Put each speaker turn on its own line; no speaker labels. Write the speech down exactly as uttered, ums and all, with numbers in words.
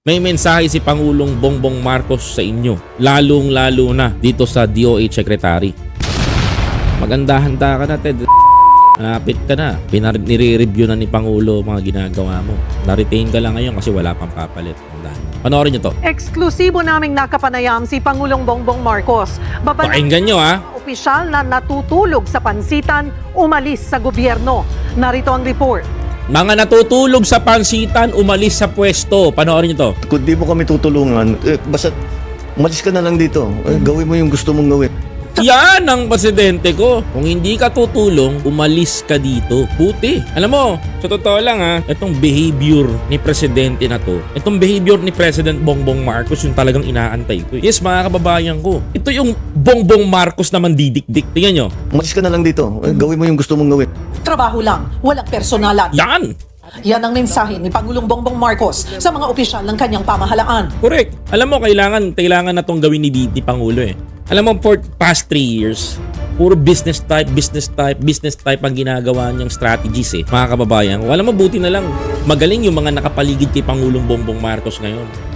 May mensahe si Pangulong Bongbong Marcos sa inyo, lalong-lalo na dito sa D O H Secretary. Maganda-handa ka na, Ted. Malapit ka na. Pinar- nire-review na ni Pangulo mga ginagawa mo. Na-retain ka lang ngayon kasi wala pang papalit. Panoorin nyo to.
Eksklusibo naming nakapanayam si Pangulong Bongbong Marcos. Babalik
Pakinggan nyo, ha?
opisyal na natutulog sa pansitan, umalis sa gobyerno. Narito ang report.
Mga natutulog sa pansitan, umalis sa pwesto. Panoorin nyo to.
Kung di mo kami tutulungan, eh, basta umalis ka na lang dito. Eh, gawin mo yung gusto mong gawin.
Yan ang presidente ko. Kung hindi ka tutulong, umalis ka dito. Puti. Alam mo, sa totoo lang ha, itong behavior ni presidente na to, itong behavior ni President Bongbong Marcos yung talagang inaantay ko. Yes, mga kababayan ko. Ito yung Bongbong Marcos naman didikdik. Tingnan nyo.
Umalis ka na lang dito. Eh, gawin mo yung gusto mong gawin.
Trabaho lang, walang personalan.
Yan!
Yan ang mensahe ni Pangulong Bongbong Marcos sa mga opisyal ng kanyang pamahalaan.
Correct. Alam mo, kailangan, kailangan na itong gawin ni, ni Pangulo eh. Alam mo, for past three years, puro business type, business type, business type ang ginagawa niyang strategies eh. Mga kababayan, alam mo, buti na lang, magaling yung mga nakapaligid kay Pangulong Bongbong Marcos ngayon.